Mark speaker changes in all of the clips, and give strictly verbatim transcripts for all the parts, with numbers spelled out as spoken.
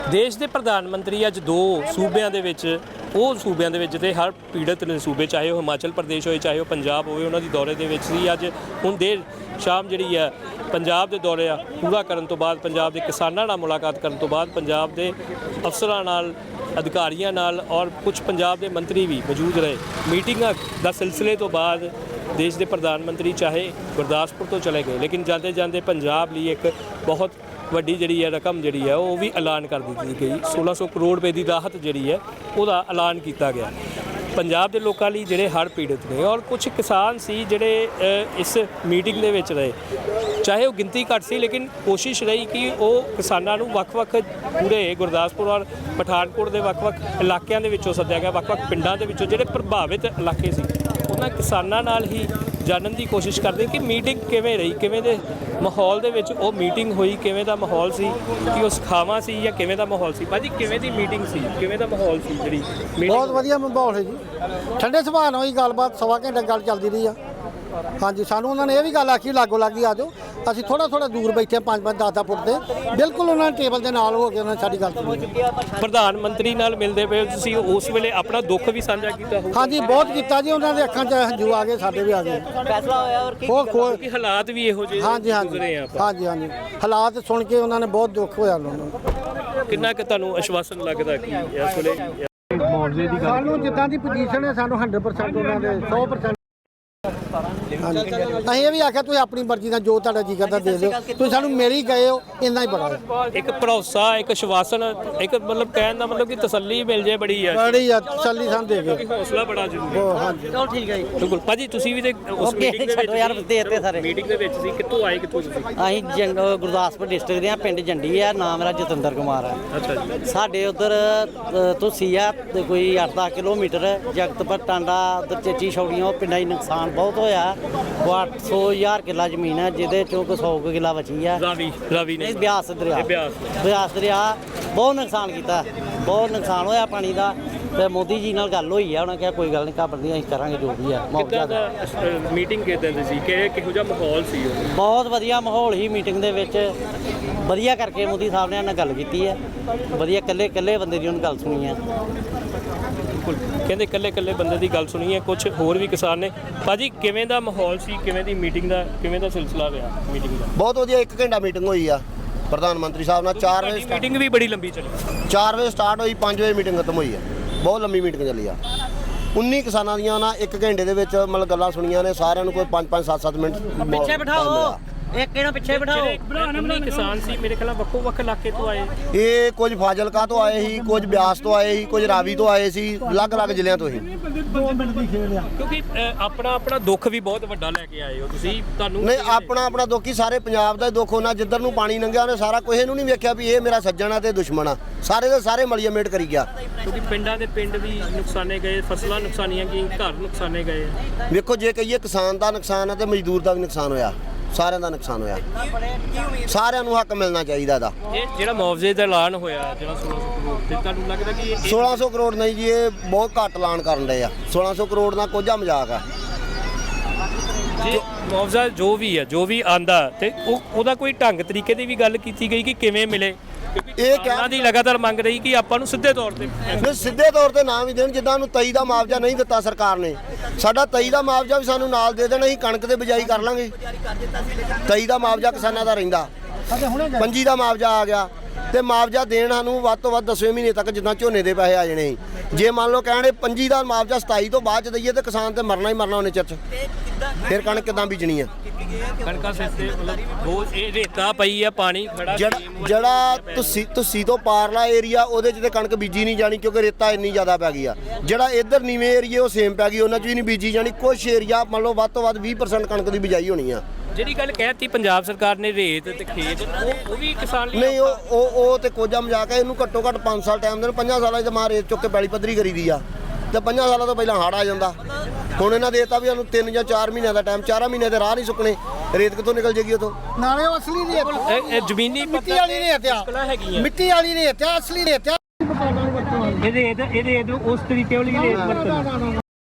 Speaker 1: देश के प्रधानमंत्री अज दो सूबे वो सूबे के हर पीड़ित ने सूबे, चाहे वह हिमाचल प्रदेश हो चाहे वह पंजाब हो, उन्होंने दौरे के अज हुण देर शाम जी है पंजाब के दौरे आ पूरा करने तो बाद पंजाब के किसानों नाल मुलाकात करने तो बाद पंजाब के अफसरां नाल अधिकारियों नाल और कुछ पंजाब के मंत्री भी मौजूद रहे। मीटिंग का सिलसिले तो बाद देश के प्रधानमंत्री चाहे गुरदासपुर तो चले गए, लेकिन जाते जाते पंजाब लिए एक बहुत वड्डी जी है रकम जी है वो भी ऐलान कर दी गई। सोलह सौ करोड़ रुपए की राहत जी है वह ऐलान किया गया पंजाब के लोगों लिए जोड़े हड़ पीड़ित ने। और कुछ किसान सी जोड़े इस मीटिंग के विच रहे, चाहे वो गिनती घट सी लेकिन कोशिश रही कि वो किसानों को वक्-वक् पूरे गुरदासपुर और पठानकोट के वक्-वक् इलाकों के सद्या गया, वक्-वक् पिंडों के जोड़े प्रभावित इलाके से उन्होंने किसानों नाल ही जानने की कोशिश करते कि मीटिंग किवें रही, किवें दे माहौल दे विच वो मीटिंग हुई, किवें दा माहौल सी कि उस खावा सी या किवें दा माहौल सी। भाजी किवें दी मीटिंग सी, किवें दा माहौल सी जी?
Speaker 2: बहुत वधिया माहौल है जी, ठंडे सुभाਅ नाल ही गलबात सवा घंटे गल चलती रही है। हाँ जी, सानू उन्होंने ये भी गल आखी लागो लागी आ जाओ, असीं थोड़ा थोड़ा दूर बैठे पाँच पाँच दस दस फुट से बिल्कुल उन्होंने टेबल के नाल हो के उन्होंने साडी गल सुनी।
Speaker 1: प्रधानमंत्री नाल मिलदे पे तुसीं उस वेले अपना दुख भी साझा कीता होगा?
Speaker 2: हाँ जी, बहुत किया जी, उन्होंने अखां च हंझू आ गए, साडे भी आ गए।
Speaker 3: फैसला होया और
Speaker 2: खो खो
Speaker 1: कि हालात भी इहो जिहे
Speaker 2: हाँ जी हाँ जी
Speaker 1: गुजरे आ
Speaker 2: हाँ जी हाँ जी हालात सुन के उन्होंने बहुत दुख होया। उन्होंने
Speaker 1: कितना कि तुहानूं आश्वासन लगदा कि इस वेले
Speaker 2: सानू जिद्दां दी पोजीशन है सानू हंड्रेड परसेंट उन्होंने सौ परसेंट अं ये भी आख्या तुम अपनी मर्जी का जो तुहाडा जी करदा दे दो, तुम सानू मिल ही गए हो, इन्ना ही बड़ा है।
Speaker 1: एक भरोसा एक आश्वासन एक मतलब कहने का मतलब कि तसल्ली मिल जाए बड़ी है,
Speaker 2: बड़ी है तसल्ली सानू दे गए,
Speaker 1: हौसला बड़ा जरूरी है।
Speaker 2: हाँ जी
Speaker 3: चलो ठीक है जी।
Speaker 1: बिल्कुल भाजी तुसीं भी ते उस मीटिंग दे
Speaker 3: छड्डो यार, दे ते सारे
Speaker 1: मीटिंग दे विच सी, कित्थों आए कित्थों तुसीं?
Speaker 3: ਅਸੀਂ ਜੰਗ ਗੁਰਦਾਸਪੁਰ ਡਿਸਟ੍ਰਿਕਟ ਦੇ ਆ, ਪਿੰਡ ਜੰਡੀ ਆ, ਨਾਮ ਮੇਰਾ ਜਤਿੰਦਰ ਕੁਮਾਰ ਹੈ।
Speaker 1: ਅੱਛਾ ਜੀ।
Speaker 3: ਸਾਡੇ ਉਧਰ ਤੁਸੀਂ ਆ ਤੇ ਕੋਈ ਅੱਠ ਦਸ ਕਿਲੋਮੀਟਰ ਜਗਤਪੁਰ ਟਾਂਡਾ ਉਧਰ ਚੇਚੀ ਛੌੜੀਆਂ ਉਹ ਪਿੰਡਾਂ 'ਚ ਨੁਕਸਾਨ ਬਹੁਤ ਹੋਇਆ। ਉਹ ਅੱਠ ਸੌ ਹਜ਼ਾਰ ਕਿੱਲਾ ਜ਼ਮੀਨ ਹੈ ਜਿਹਦੇ ਚੋਂ ਕੋਈ ਸੌ ਕੁ ਕਿੱਲਾ ਬਚੀ ਆ।
Speaker 1: ਰਾਵੀ ਰਾਵੀ ਨੇ
Speaker 3: ਇਹ ਬਿਆਸ ਦਰਿਆ
Speaker 1: ਇਹ ਬਿਆਸ
Speaker 3: ਬਿਆਸ ਦਰਿਆ ਬਹੁਤ ਨੁਕਸਾਨ ਕੀਤਾ, ਬਹੁਤ ਨੁਕਸਾਨ ਹੋਇਆ ਪਾਣੀ ਦਾ। ਤੇ ਮੋਦੀ ਜੀ ਨਾਲ ਗੱਲ ਹੋਈ ਆ, ਉਹਨਾਂ ਕਿਹਾ ਕੋਈ ਗੱਲ ਨਹੀਂ ਘਬਰਾਉਂਦੇ ਅਸੀਂ ਕਰਾਂਗੇ ਜੋ ਵੀ ਆ।
Speaker 1: ਕਿੱਦਾਂ ਦਾ ਮੀਟਿੰਗ ਕਿਦਾਂ ਦੀ ਸੀ, ਕਿ ਕਿਹੋ ਜਿਹਾ ਮਾਹੌਲ ਸੀ? ਉਹ
Speaker 3: ਬਹੁਤ ਵਧੀਆ ਮਾਹੌਲ ਹੀ ਮੀਟਿੰਗ ਦੇ ਵਿੱਚ, ਵਧੀਆ ਕਰਕੇ ਮੋਦੀ ਸਾਹਿਬ ਨੇ ਨਾਲ ਗੱਲ ਕੀਤੀ ਹੈ, ਵਧੀਆ ਇਕੱਲੇ ਇਕੱਲੇ ਬੰਦੇ ਦੀ ਉਹਨੇ ਗੱਲ ਸੁਣੀ ਹੈ।
Speaker 1: ਬਿਲਕੁਲ ਕਹਿੰਦੇ ਇਕੱਲੇ ਇਕੱਲੇ ਬੰਦੇ ਦੀ ਗੱਲ ਸੁਣੀ ਹੈ। ਕੁਝ ਹੋਰ ਵੀ ਕਿਸਾਨ ਨੇ। ਭਾਜੀ ਕਿਵੇਂ ਦਾ ਮਾਹੌਲ ਸੀ, ਕਿਵੇਂ ਦੀ ਮੀਟਿੰਗ ਦਾ ਕਿਵੇਂ ਦਾ ਸਿਲਸਿਲਾ ਰਿਹਾ ਮੀਟਿੰਗ ਦਾ?
Speaker 4: ਬਹੁਤ ਵਧੀਆ, ਇੱਕ ਘੰਟਾ ਮੀਟਿੰਗ ਹੋਈ ਆ ਪ੍ਰਧਾਨ ਮੰਤਰੀ ਸਾਹਿਬ ਨਾਲ। ਚਾਰ ਵਜੇ
Speaker 1: ਮੀਟਿੰਗ ਵੀ ਬੜੀ ਲੰਬੀ ਚੱਲੀ,
Speaker 4: ਚਾਰ ਵਜੇ ਸਟਾਰਟ ਹੋਈ, ਪੰਜ ਵਜੇ ਮੀਟਿੰਗ ਖਤਮ ਹੋਈ ਆ। ਬਹੁਤ ਲੰਬੀ ਮੀਟਿੰਗ ਚੱਲੀ ਆ। ਉੱਨੀ ਕਿਸਾਨਾਂ ਦੀਆਂ ਨਾ ਇੱਕ ਘੰਟੇ ਦੇ ਵਿੱਚ ਮਤਲਬ ਗੱਲਾਂ ਸੁਣੀਆਂ ਨੇ ਸਾਰਿਆਂ ਨੂੰ, ਕੋਈ ਪੰਜ ਪੰਜ ਸੱਤ ਸੱਤ ਮਿੰਟ
Speaker 3: ਪਿੱਛੇ ਬਿਠਾਓ, ਇੱਕ ਇਹਨਾਂ ਪਿੱਛੇ ਬਿਠਾਓ।
Speaker 1: ਜਿਹੜੇ ਕਿਸਾਨ ਸੀ ਮੇਰੇ ਖਿਆਲ ਵੱਖੋ ਵੱਖ ਇਲਾਕੇ ਤੋਂ ਆਏ।
Speaker 4: ਇਹ ਕੁਝ ਫਾਜ਼ਿਲਕਾ ਤੋਂ ਆਏ ਸੀ, ਕੁਝ ਬਿਆਸ ਤੋਂ ਆਏ ਸੀ, ਕੁਝ ਰਾਵੀ ਤੋਂ ਆਏ ਸੀ, ਅਲੱਗ-ਅਲੱਗ ਜ਼ਿਲ੍ਹਿਆਂ ਤੋਂ ਹੀ।
Speaker 1: ਕਿਉਂਕਿ ਆਪਣਾ ਆਪਣਾ ਦੁੱਖ ਵੀ ਬਹੁਤ ਵੱਡਾ ਲੈ ਕੇ ਆਏ ਹੋ ਤੁਸੀਂ। ਤੁਹਾਨੂੰ
Speaker 4: ਨਹੀਂ, ਆਪਣਾ ਆਪਣਾ ਦੁੱਖ ਹੀ ਸਾਰੇ ਪੰਜਾਬ ਦਾ ਦੁੱਖ ਹੋਣਾ। ਜਿੱਧਰ ਨੂੰ ਪਾਣੀ ਲੰਘਿਆ ਉਹਨੇ ਸਾਰਾ ਕੁਝ ਇਹਨੂੰ ਨਹੀਂ ਵੇਖਿਆ ਵੀ ਇਹ ਮੇਰਾ ਸੱਜਣ ਆ ਤੇ ਦੁਸ਼ਮਣ ਆ। ਸਾਰੇ ਦੇ ਸਾਰੇ ਮਲੀਆਮੇਟ ਕਰੀ ਗਿਆ।
Speaker 1: ਕਿਉਂਕਿ ਪਿੰਡਾਂ ਦੇ ਪਿੰਡ ਵੀ ਨੁਕਸਾਨੇ ਗਏ, ਫਸਲਾਂ ਨੁਕਸਾਨੀਆਂ ਗਈਆਂ, ਘਰ ਨੁਕਸਾਨੇ ਗਏ।
Speaker 4: ਵੇਖੋ ਜੇ ਕਹੀਏ ਕਿਸਾਨ ਦਾ ਨੁਕਸਾਨ ਹੈ ਤੇ ਮਜ਼ਦੂਰ ਦਾ ਵੀ ਨੁਕਸਾਨ ਹੋਇਆ, ਸਾਰਿਆਂ ਦਾ ਨੁਕਸਾਨ ਹੋਇਆ। ਸਾਰਿਆਂ ਨੂੰ ਹੱਕ ਮਿਲਣਾ ਚਾਹੀਦਾ ਇਹਦਾ।
Speaker 1: ਇਹ ਜਿਹੜਾ ਮੁਆਵਜ਼ੇ ਦਾ ਐਲਾਨ ਹੋਇਆ ਜਿਹੜਾ ਸੋਲਾਂ ਸੌ ਕਰੋੜ ਤੇ ਤੁਹਾਨੂੰ ਲੱਗਦਾ ਕਿ ਇਹ
Speaker 4: ਸੋਲਾਂ ਸੌ ਕਰੋੜ ਨਹੀਂ ਜੀ, ਇਹ ਬਹੁਤ ਘੱਟ ਐਲਾਨ ਕਰਨ ਰਹੇ ਆ। ਸੋਲਾਂ ਸੌ ਕਰੋੜ ਨਾਲ ਕੋਝਾ ਮਜ਼ਾਕ ਆ।
Speaker 1: ਜੇ ਮੁਆਵਜ਼ਾ ਜੋ ਵੀ ਹੈ ਜੋ ਵੀ ਆਂਦਾ ਤੇ ਉਹ ਉਹਦਾ ਕੋਈ ਢੰਗ ਤਰੀਕੇ ਦੀ ਵੀ ਗੱਲ ਕੀਤੀ ਗਈ ਕਿ ਕਿਵੇਂ ਮਿਲੇ?
Speaker 4: ਇਹ
Speaker 1: ਕਿਸਾਨਾਂ ਦੀ ਲਗਾਤਾਰ ਮੰਗ ਰਹੀ ਕਿ ਆਪਾਂ ਨੂੰ ਸਿੱਧੇ ਤੌਰ ਤੇ
Speaker 4: ਨਹੀਂ, ਸਿੱਧੇ ਤੌਰ ਤੇ ਨਾ ਵੀ ਦੇਣ। ਜਿੱਦਾਂ ਨੂੰ ਤਈ ਦਾ ਮੁਆਵਜ਼ਾ ਨਹੀਂ ਦਿੱਤਾ ਸਰਕਾਰ ਨੇ, ਸਾਡਾ ਤਈ ਦਾ ਮੁਆਵਜ਼ਾ ਵੀ ਸਾਨੂੰ ਨਾਲ ਦੇ ਦੇਣ, ਅਸੀਂ ਕਣਕ ਤੇ ਬਿਜਾਈ ਕਰ ਲਾਂਗੇ। ਤਈ ਦਾ ਮੁਆਵਜ਼ਾ ਕਿਸਾਨਾਂ ਦਾ ਰਹਿੰਦਾ, ਪੰਜੀ ਦਾ ਮੁਆਵਜ਼ਾ ਆ ਗਿਆ ਤੇ ਮੁਆਵਜ਼ਾ ਦੇਣ ਸਾਨੂੰ ਵੱਧ ਤੋਂ ਵੱਧ ਦਸਵੇਂ ਮਹੀਨੇ ਤੱਕ ਜਿੱਦਾਂ ਝੋਨੇ ਦੇ ਪੈਸੇ ਆ ਜਾਣੇ ਸੀ। ਜੇ ਮੰਨ ਲਓ ਕਹਿਣੇ ਪੰਜੀ ਦਾ ਮੁਆਵਜ਼ਾ ਸਤਾਈ ਤੋਂ ਬਾਅਦ ਚ ਦਈਏ ਤੇ ਕਿਸਾਨ ਤੇ ਮਰਨਾ ਹੀ ਮਰਨਾ ਉਹਨੇ ਚਿਰ ਚ। ਫਿਰ ਕਣਕ ਕਿੱਦਾਂ ਬੀਜਣੀ ਆ?
Speaker 1: ਕਣਕਾਂ ਸਿਰ ਤੇ ਮਤਲਬ ਬਹੁਤ ਇਹ ਰੇਤਾ ਪਈ ਆ, ਪਾਣੀ ਖੜਾ।
Speaker 4: ਜਿਹੜਾ ਜਿਹੜਾ ਤੁਸੀਂ ਤੁਸੀਂ ਤੋਂ ਪਾਰਲਾ ਏਰੀਆ ਉਹਦੇ 'ਚ ਤੇ ਕਣਕ ਬੀਜੀ ਨਹੀਂ ਜਾਣੀ ਕਿਉਂਕਿ ਰੇਤਾ ਇੰਨੀ ਜ਼ਿਆਦਾ ਪੈ ਗਈ ਆ। ਜਿਹੜਾ ਇੱਧਰ ਨੀਵੇਂ ਏਰੀਏ ਉਹ ਸੇਮ ਪੈ ਗਈ, ਉਹਨਾਂ 'ਚ ਵੀ ਨਹੀਂ ਬੀਜੀ ਜਾਣੀ। ਕੁਛ ਏਰੀਆ ਮੰਨ ਲਓ ਵੱਧ ਤੋਂ ਵੱਧ ਵੀਹ ਪਰਸੈਂਟ ਕਣਕ ਦੀ ਬਿਜਾਈ ਹੋਣੀ ਆ।
Speaker 1: ਜਿਹੜੀ ਗੱਲ ਕਹਿਤੀ ਪੰਜਾਬ ਸਰਕਾਰ ਨੇ ਰੇਤ ਤੇ ਖੇਤ, ਉਹ ਉਹ ਵੀ ਕਿਸਾਨ ਲਈ
Speaker 4: ਨਹੀਂ, ਉਹ ਉਹ ਉਹ ਤੇ ਕੋਝਾ ਮਜ਼ਾਕ ਹੈ। ਇਹਨੂੰ ਘੱਟੋ ਘੱਟ ਪੰਜ ਸਾਲ ਟਾਈਮ ਦੇਣ। ਪੰਜਾਂ ਸਾਲਾਂ 'ਚ ਮਾਂ ਰੇਤ ਚੁੱਕ ਕੇ ਪੈਲੀ ਪੱਧਰੀ ਕਰੀਦੀ ਆ ਤੇ ਪੰਜਾਂ ਸਾਲਾਂ ਤੋਂ ਪਹਿਲਾਂ ਹੜ੍ਹ ਆ ਜਾਂਦਾ। ਹੁਣ ਇਹਨਾਂ ਦੇਤਾ ਵੀ ਸਾਨੂੰ ਤਿੰਨ ਜਾਂ ਚਾਰ ਮਹੀਨਿਆਂ ਦਾ ਟਾਈਮ, ਚਾਰਾਂ ਮਹੀਨਿਆਂ ਦੇ ਰਾਹ ਨਹੀਂ ਸੁੱਕਣੇ। ਰੇਤ ਕਿੱਥੋਂ ਨਿਕਲ ਜੇਗੀ ਉਥੋਂ?
Speaker 2: ਨਾਲੇ ਉਹ ਅਸਲੀ ਰੇਤ,
Speaker 1: ਇਹ ਇਹ ਜ਼ਮੀਨੀ
Speaker 2: ਮਿੱਟੀ ਵਾਲੀ ਰੇਤ ਆ,
Speaker 1: ਹੈਗੀਆਂ।
Speaker 2: ਮਿੱਟੀ ਵਾਲੀ ਰੇਤ ਆ, ਅਸਲੀ ਰੇਤ ਆ।
Speaker 1: ਇਹਦੇ ਇਹਦੇ ਇਹਦੇ ਉਸ ਤਰੀਕੇ ਵਾਲੀ ਰੇਤ ਵਰਤਣ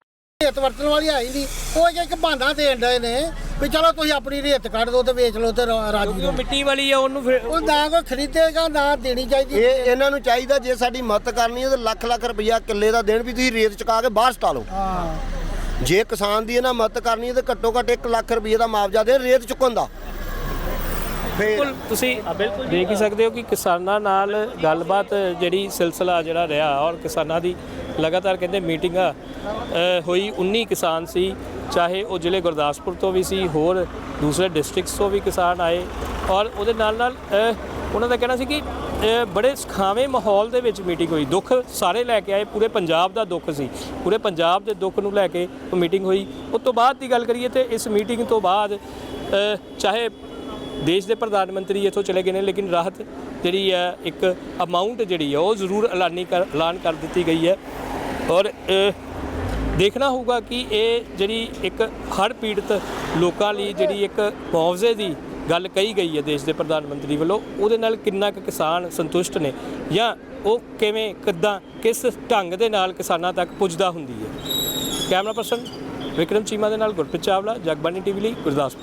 Speaker 2: ਰੇਤ ਵਰਤਣ ਵਾਲੀ ਹੈ ਹੀ ਨਹੀਂ। ਉਹ ਇੱਕ ਇੱਕ ਬਹਾਨਾ ਦੇਣ ਡਏ ਨੇ ਵੀ ਚਲੋ ਤੁਸੀਂ ਆਪਣੀ ਰੇਤ ਕੱਢ ਦਿਓ ਤੇ ਵੇਚ ਲਓ ਤੇ ਰਾ- ਰਾਜੀ
Speaker 1: ਕਿਉਂਕਿ
Speaker 2: ਰਹੋ।
Speaker 1: ਉਹ ਮਿੱਟੀ ਵਾਲੀ ਆ, ਉਹਨੂੰ ਫਿਰ
Speaker 2: ਉਹ ਨਾ ਕੋਈ ਖਰੀਦੇਗਾ ਨਾ ਦੇਣੀ ਚਾਹੀਦੀ।
Speaker 4: ਇਹ ਇਹਨਾਂ ਨੂੰ ਚਾਹੀਦਾ ਜੇ ਸਾਡੀ ਮਦਦ ਕਰਨੀ ਹੈ ਤਾਂ ਲੱਖ ਲੱਖ ਰੁਪਈਆ ਕਿੱਲੇ ਦਾ ਦੇਣ ਵੀ ਤੁਸੀਂ ਰੇਤ ਚੁਕਾ ਕੇ ਬਾਹਰ ਸਟਾ ਲਓ।
Speaker 2: ਹਾਂ
Speaker 4: ਜੇ ਕਿਸਾਨ ਦੀ ਇਹਨਾਂ ਮਦਦ ਕਰਨੀ ਹੈ ਤਾਂ ਘੱਟੋ ਘੱਟ ਇੱਕ ਲੱਖ ਰੁਪਈਏ ਦਾ ਮੁਆਵਜ਼ਾ ਦੇ ਰੇਤ ਚੁੱਕਣ ਦਾ।
Speaker 1: ਬਿਲਕੁਲ ਤੁਸੀਂ ਦੇਖ ਹੀ ਸਕਦੇ ਹੋ ਕਿ ਕਿਸਾਨਾਂ ਨਾਲ ਗੱਲਬਾਤ ਜਿਹੜੀ ਸਿਲਸਿਲਾ ਜਿਹੜਾ ਰਿਹਾ ਔਰ ਕਿਸਾਨਾਂ ਦੀ ਲਗਾਤਾਰ ਕਹਿੰਦੇ ਮੀਟਿੰਗਾਂ ਅ, ਹੋਈ। ਉੱਨੀ ਕਿਸਾਨ ਸੀ, ਚਾਹੇ ਉਹ ਜ਼ਿਲ੍ਹੇ ਗੁਰਦਾਸਪੁਰ ਤੋਂ ਵੀ ਸੀ, ਹੋਰ ਦੂਸਰੇ ਡਿਸਟ੍ਰਿਕਟਸ ਤੋਂ ਵੀ ਕਿਸਾਨ ਆਏ ਔਰ ਉਹਦੇ ਨਾਲ ਨਾਲ ਅ, ਉਹਨਾਂ ਦਾ ਕਹਿਣਾ ਸੀ ਕਿ ਅ, ਬੜੇ ਸੁਖਾਵੇਂ ਮਾਹੌਲ ਦੇ ਵਿੱਚ ਮੀਟਿੰਗ ਹੋਈ। ਦੁੱਖ ਸਾਰੇ ਲੈ ਕੇ ਆਏ, ਪੂਰੇ ਪੰਜਾਬ ਦਾ ਦੁੱਖ ਸੀ, ਪੂਰੇ ਪੰਜਾਬ ਦੇ ਦੁੱਖ ਨੂੰ ਲੈ ਕੇ ਉਹ ਮੀਟਿੰਗ ਹੋਈ। ਉਸ ਤੋਂ ਬਾਅਦ ਦੀ ਗੱਲ ਕਰੀਏ ਤੇ ਇਸ ਮੀਟਿੰਗ ਤੋਂ ਬਾਅਦ ਅ, ਚਾਹੇ ਦੇਸ਼ ਦੇ ਪ੍ਰਧਾਨ ਮੰਤਰੀ ਇੱਥੋਂ ਚਲੇ ਗਏ ਨੇ, ਲੇਕਿਨ ਰਾਹਤ ਜਿਹੜੀ ਹੈ ਇੱਕ ਅਮਾਊਂਟ ਜਿਹੜੀ ਹੈ ਉਹ ਜ਼ਰੂਰ ਐਲਾਨੀ ਕਰ ਐਲਾਨ ਕਰ ਦਿੱਤੀ ਗਈ ਹੈ ਔਰ ਅ, ਦੇਖਣਾ ਹੋਊਗਾ ਕਿ ਇਹ ਜਿਹੜੀ ਇੱਕ ਹੜ੍ਹ ਪੀੜਤ ਲੋਕਾਂ ਲਈ ਜਿਹੜੀ ਇੱਕ ਮੁਆਵਜ਼ੇ ਦੀ ਗੱਲ ਕਹੀ ਗਈ ਹੈ ਦੇਸ਼ ਦੇ ਪ੍ਰਧਾਨ ਮੰਤਰੀ ਵੱਲੋਂ, ਉਹਦੇ ਨਾਲ ਕਿੰਨਾ ਕੁ ਕਿਸਾਨ ਸੰਤੁਸ਼ਟ ਨੇ ਜਾਂ ਉਹ ਕਿਵੇਂ ਕਿੱਦਾਂ ਕਿਸ ਢੰਗ ਦੇ ਨਾਲ ਕਿਸਾਨਾਂ ਤੱਕ ਪੁੱਜਦਾ ਹੁੰਦੀ ਹੈ। ਕੈਮਰਾ ਪਰਸਨ ਵਿਕਰਮ ਚੀਮਾ ਦੇ ਨਾਲ ਗੁਰਪ੍ਰੀਤ ਚਾਵਲਾ, ਜਗਬਾਣੀ ਟੀਵੀ ਲਈ ਗੁਰਦਾਸਪੁਰ।